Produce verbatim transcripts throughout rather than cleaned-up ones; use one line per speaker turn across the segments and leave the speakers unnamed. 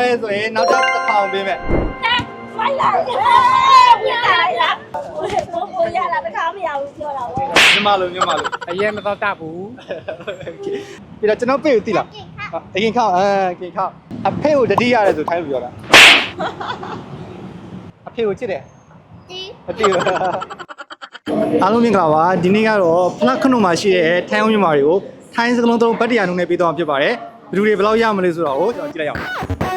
ရဲဆိုရင်နောက်ထပ်တစ်ထောင်ပေးမယ်
မိုက်လာဝင်လာလားဘိုးဘိုးရလာတခါမရဘူးပြောတာဗော
ညီမလိုညီမလို
အရင်မတော့တတ်ဘူး
ပြီးတော့ကျွန်တော်ပြေကိုသိလားအရင်ခောက်အဲအရင်ခောက်အဖေကိုတတိရတယ်ဆိုထိုင်းလို့ပြောတာအဖေကိုချစ်တယ်တီးအတီးအားလုံးမင်္ဂလာပါဒီနေ့ကတော့ဖလတ်ခနုံမှာရှိတဲ့ထိုင်းအောင်မြန်မာတွေကိုထိုင်းစကလုံးသုံးဗတ်တရားနှုံးနဲ့ပြီးတော့ဖြစ်ပါတယ်ဘယ်သူတွေဘယ်လောက်ရမလဲဆိုတော့ကျွန်တော်ကြည့်လိုက်အောင်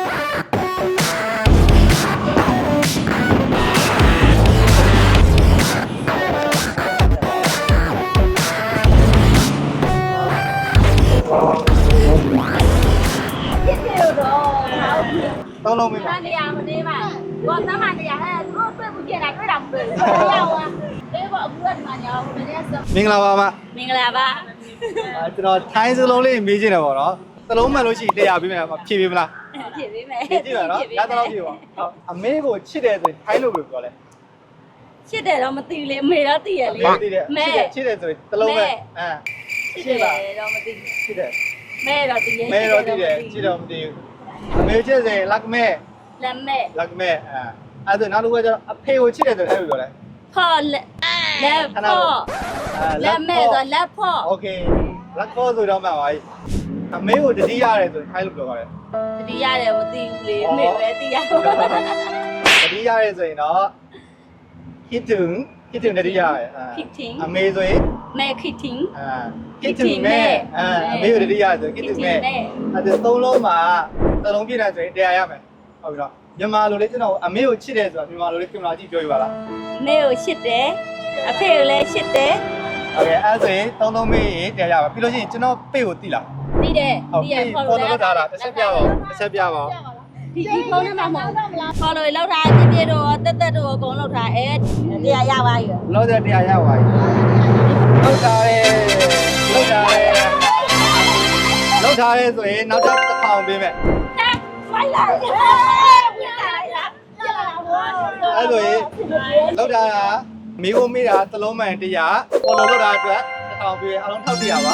သုံးလုံးမင်းပါ
နေရာမနေပါဘောသမားနေရာအဲသူတို့တွေ့ဘူးပြတာတွေ့တာမတွေ့ဘူးရောက်อ่ะအေးဘောအခုကဒီမှာညောင်းမနေစ
မင်္ဂလာပါမ
မင်္ဂလာပါ
အဲကျွန်တော်ထိုင်းစလုံးလေးမေးချင်တယ်ပေါ့နော်စလုံးမှန်လို့ရှိရင်တရားပေးမယ်ဖြည့်ပေးမလား
ဖြည့်ပေးမယ်
ဖြည့်ကြည့်ပါနော်ရတော့ဖြည့်ပါအမေကိုချစ်တယ်ဆိုရင်ထိုင်းလို့ပြောလဲ
ချစ်တယ်တော့မသိဘူးလေအမေတော့သိရလေ
မဲချစ်တယ်ဆိုရင်စလုံးပဲအဲ
ချစ်တယ်တော့မသိ
ချစ်တယ်
မဲတော့သိရ
မဲတော့သိတယ်ချစ်တော့မသိဘူးအမေချစ်တယ်လက်မဲ
လက်မဲ
လက်မဲအဲအဲ့ဒါနောက်တစ်ခုကကျတော့အဖေကိုချစ်တယ်ဆိုရင်ထိုင်းလို့ပြောလဲ
ဖော်လက်လက်ဖော်လက်မဲဆိုလက်ဖော်
โอเคလက်ဖော်ဆိုတော့မှပါပြီအမေကိုတတိရတယ်ဆိုရင်ထိုင်းလို့ပြောပါတယ်
တတိရတယ်မသိဘူးလေအမေပဲသိရ
တတိရတယ်ဆိုရင်တော့คิดถึงคิดถึงတတိရတယ်အမေဆိုရင်
แม่คิดถึง
อ่าคิดถึงแม่อ่าအမေကိုတတိရဆိုคิดถึงแม่အဲ့ဒါသုံးလုံးမှာသုံးလုံးပြည့်တယ်ဆိုရင်တရားရမယ်ဟုတ်ပြီတော့မြန်မာလိုလေးကျွန်တော်အမေကိုချစ်တယ်ဆိုတာမြန်မာလိုလေးကင်မရာကြည့်ပြောပြပါလား
အမေကိုချစ်တယ်အဖေကိုလည်းချစ်တယ်
โอเคအဲ့ဆိုရင်သုံးလုံးမေးရင်တရားရပါပြီးလို့ရှိရင်ကျွန်တော်ပေ့ကိုသိလား
သိတယ်သိရ
ဖော်လို့လောက်တာလားတစ်ချက်ပြပါဦးတစ်ချက်ပြပါဦး
ဒီဒီဖုန်းနဲ့မှမဟုတ်ဖော်လို့လောက်တာပြပြတော့တက်တက်တော့အကုန်လောက်တာအဲတရားရပါပြီ
လောက်တဲ့တရားရပါပြီလောက်တာရဲလောက်တာရဲလောက်ထားရဲဆိုရင်နောက်ထပ်တစ်ထောင်ပေးမယ်
မိုက်လာဝင်လာလားပြောတာဗော
အဲ့ဆိုရင်လောက်တာကမိဖို့မိတာသလုံးမှန်တရားပေါ်လို့လောက်တာအတွက်တစ်ထောင်ပေးအားလုံးထောက်တရပါ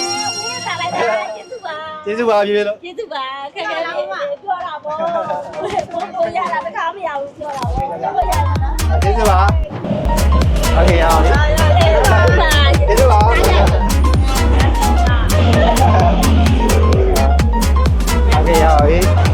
ကျေးဇူးပါကျေးဇူးပါပြေလို့
ကျေးဇူးပါခက်ခဲလေးပြောတာဗောဘိုးဘိုးရလာတခါမရဘူးပြောတာဗောဘိုးရလာနော်
ကျေးဇူးပါโอเคရအောင်ကျေးဇူးပါကျေးဇူးပါโอเคရအောင်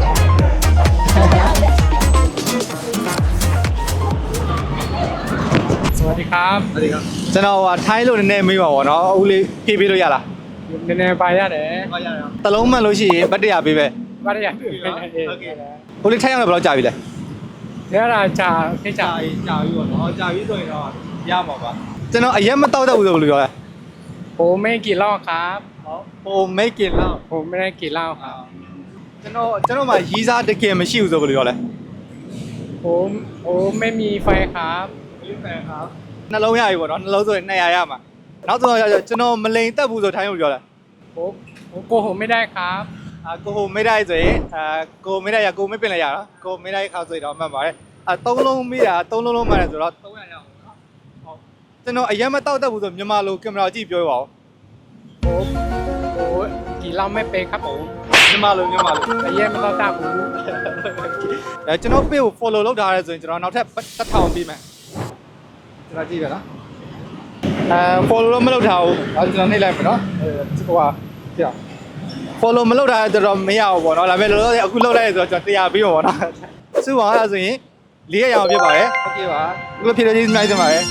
สวัสดีครับ
สวัสดีครับကျွန်တော်ဟာထိုင်းလို့နည်းနည်းမေးပါဗောနော်အခုလေးဖြည့်ပေးလို့ရလား
နည်းနည်းပါရတယ်
ပါရတယ်တလုံးမှန်လို့ရှိရင်ဗတ်တရားပေးပဲ
ဗတ်တရားပေး
โอเคကိုလေးထိုင်းအောင်ဘယ်လောက်ကြာပြီလဲ
ရတာကြာခေတ်ကြာ
ကြာပြီဗောနော်ကြာပြီဆိုရင်တော့ရမှာပါကျွန်တော်အရက်မတောက်တတ်ဘူးဆိုဘယ်လိုပြောလဲ
โอ้ไม่กินเหล้าครับ
ဟိုไม่กินเหล้า
ผมไม่ได้กินเหล้าครับ
ကျွန်တော်ကျွန်တော်မှာရီးစားတကယ်မရှိဘူးဆိုဘယ်လိုပြောလဲ
ผมโอ้ไม่มีไฟครับ
ไม่มีไฟครับနှလုံးရပြီဗောနော်နှလုံးဆိုရင်နှစ်ရာရမှာနောက်ဆုံးကျွန်တော်မလိန်တက်ဘူးဆိုထိုင်းလို့ပြောလား
ผมโกหกไม่ได้ครับ
အာကိုဟိုไม่ได้ဆိုရင်အာကိုไม่ได้ရကိုไม่เป็นไรရနော်ကိုไม่ได้ခါဆိုရင်တော့မှတ်ပါတယ်အာသုံးလုံးမိတာသုံးလုံးလုံးမှတယ်ဆိုတော့သုံးရာရအောင်နော်ဟုတ်ကျွန်တော်အရင်မတောက်တတ်ဘူးဆိုမြန်မာလိုကင်မရာကြည့်ပြောပါဦး
ผมโอ้กินเหล้าไม่เป็นครับผม
မြန်မာလိုမြန်မာလို
အရင်မတော့တတ်ဘူး
အဲကျွန်တော် page ကို follow လုပ်ထားရဲဆိုရင်ကျွန်တော်နောက်ထပ်တစ်ထောင်ပေးမယ်ကျွန်တော်ကြည့်ရနော်အဲ follow တော့မလုပ်ထားဘူးအဲကျွန်တော်နှိပ်လိုက်မယ်နော်ဟိုဟာကြည့် follow မလုပ်ထားတဲ့တော့မရဘူးပေါ့နော်ဒါပေမဲ့လောလောဆယ်အခုလုပ်လိုက်ရဆိုတော့ကျွန်တော်တရားပေးမှာပေါ့နော်စုပါအဲ့ဒါဆိုရင်လေးရအောင်ဖြစ်ပါတယ်โอเคပါအခုလိုဖြစ်တဲ့ကျေးဇူးများတင်ပါတယ်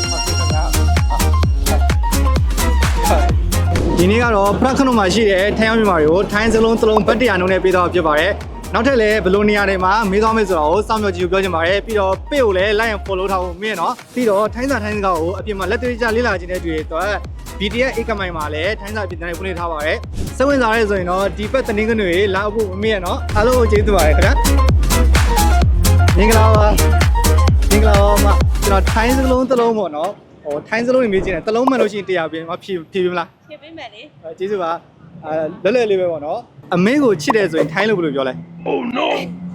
ဒီနေ့ကတော့ဖရခနုံမှာရှိတဲ့ထိုင်းအောင်မြန်မာတွေကိုထိုင်းစလုံးစလုံးဗတ်တရားနှုံးနဲ့ပေးတော့ဖြစ်ပါတယ်နောက်ထပ်လည်းဘယ်လိုနေရာတွေမှာမေးသွားမယ်ဆိုတော့စောင့်မျှော်ကြည့်ပြောချင်ပါတယ်ပြီးတော့ page ကိုလည်း like and follow ထားဖို့မင်းနော်ပြီးတော့ထိုင်းစာထိုင်းစကားကိုအပြင်မှာလက်တွေ့ကျလေ့လာခြင်းတဲ့တွေ့တော့ B T S အိတ်ကမိုင်မှာလည်းထိုင်းစာပြည်တိုင်းဖွင့်လှစ်ထားပါတယ်စိတ်ဝင်စားရဲဆိုရင်တော့ဒီဘက်တနင်္ဂနွေလာဖို့မင်းရနော်အားလုံးကိုကျေးဇူးပါတယ်ခင်ဗျာမင်္ဂလာပါမင်္ဂလာပါမကျွန်တော်ထိုင်းစလုံးတစ်လုံးပေါ့နော်ဟိုထိုင်းစလုံးနေမေးချင်တယ်တစ်လုံးမှန်လို့ရှိရင်တရားပြင်မဖြည့်ဖြည့်ပေးမလား
ဖြည့်ပေးမယ်လေ
ကျေးဇူးပါအဲလွယ်လွယ်လေးပဲပေါ့နော်အမေကိုချစ်တယ်ဆိုရင်ထိုင်းလို့ဘယ်လိုပြောလဲ Oh no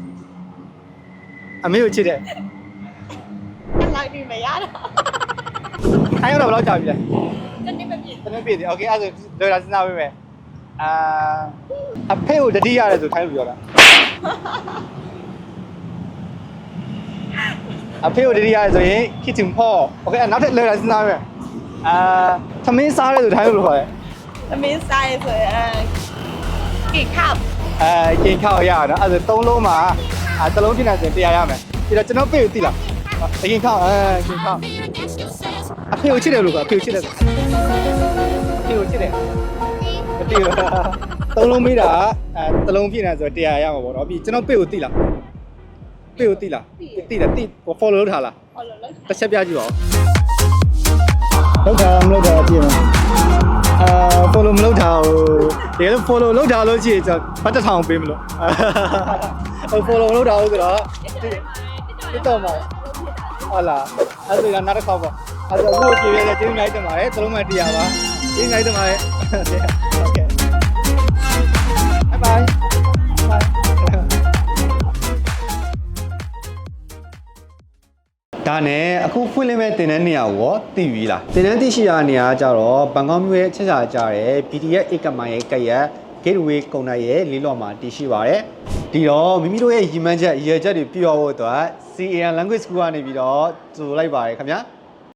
အမေကိုချစ်တယ်
လိုက်ပြီမရတော့
ထိုင်းတော့ဘယ်လောက်ကြာပြီလဲ
တနေ့ပဲပြည့်
တနေ့ပြည့်တယ်โอเคအဲ့ဆိုလွယ်တာစဉ်းစားပေးမယ်အာအဖေကိုတတိရတယ်ဆိုထိုင်းလို့ပြောတာအဖေကိုတတိယဆိုရင် kitchen pot โอเคနောက်ထပ်လွယ်တာစဉ်းစားမယ်အာသမင်းစားရဲဆိုထိုင်းလို့ခေါ်တယ်
သမင်းစားရဲဆိုရင်ကိခောက်
အဲကင်ခောက်ရအောင်နော်အဲ့ဒါသုံးလုံးမှာအဲတစ်လုံးဖြစ်နေဆိုတရားရမယ်ပြီးတော့ကျွန်တော်ပေးကိုသိလားအကင်ခောက်အဲကင်ခောက်အဖေကိုချစ်တယ်လို့ကအဖေကိုချစ်တယ်အဖေကိုချစ်တယ်မသိဘူးသုံးလုံးမေးတာအဲတစ်လုံးဖြစ်နေဆိုတရားရမှာပေါ့နော်ပြီးကျွန်တော်ပေးကိုသိလားပေးကိုသိလားသိတယ်သိ follow လုပ်ထားလား
ဟုတ်လို့လို့
တစ်ချက်ပြကြည့်ပါဦးလောက်တာမလောက်တာကြည့်မအာ follow မလောက်တာဟိုတကယ်လို့ follow လောက်တာလို့ကြည့်ကျွန်တော်ဘတ်တစ်ထောင်ပေးမလို့ဟို follow မလောက်တာဟုတ်ဆိုတော့တစ်တော့မှာဟုတ်လားအဲ့ဒါကနောက်တစ်ခေါက်ပေါ့အဲ့ဒါအခုကြည့်ရတဲ့ကျေးဇူးများတင်ပါတယ်သလုံးမှတရားပါကျေးဇူးများတင်ပါတယ်โอเค bye bye bye ဒါနဲ့အခုဖွင့်လင်းမဲ့တင်တဲ့နေရာကိုသိပြီလားတင်တဲ့သိရှိရတဲ့နေရာကကြတော့ဘန်ကောက်မြို့ရဲ့ချက်ချာကြတဲ့ ဘီ တီ အက်ဖ် အိတ်ကမိုင်ရဲ့ကက်ရက် gateway ကုန်တိုက်ရဲ့လေးလော်မှာတည်ရှိပါတယ်ဒီတော့မိမိတို့ရဲ့ရည်မှန်းချက်ရည်ရွယ်ချက်တွေပြည့်ဝဖို့အတွက် စီ အေ အမ် language school ကနေပြီးတော့ကြိုလိုက်ပါတယ်ခင်ဗျာ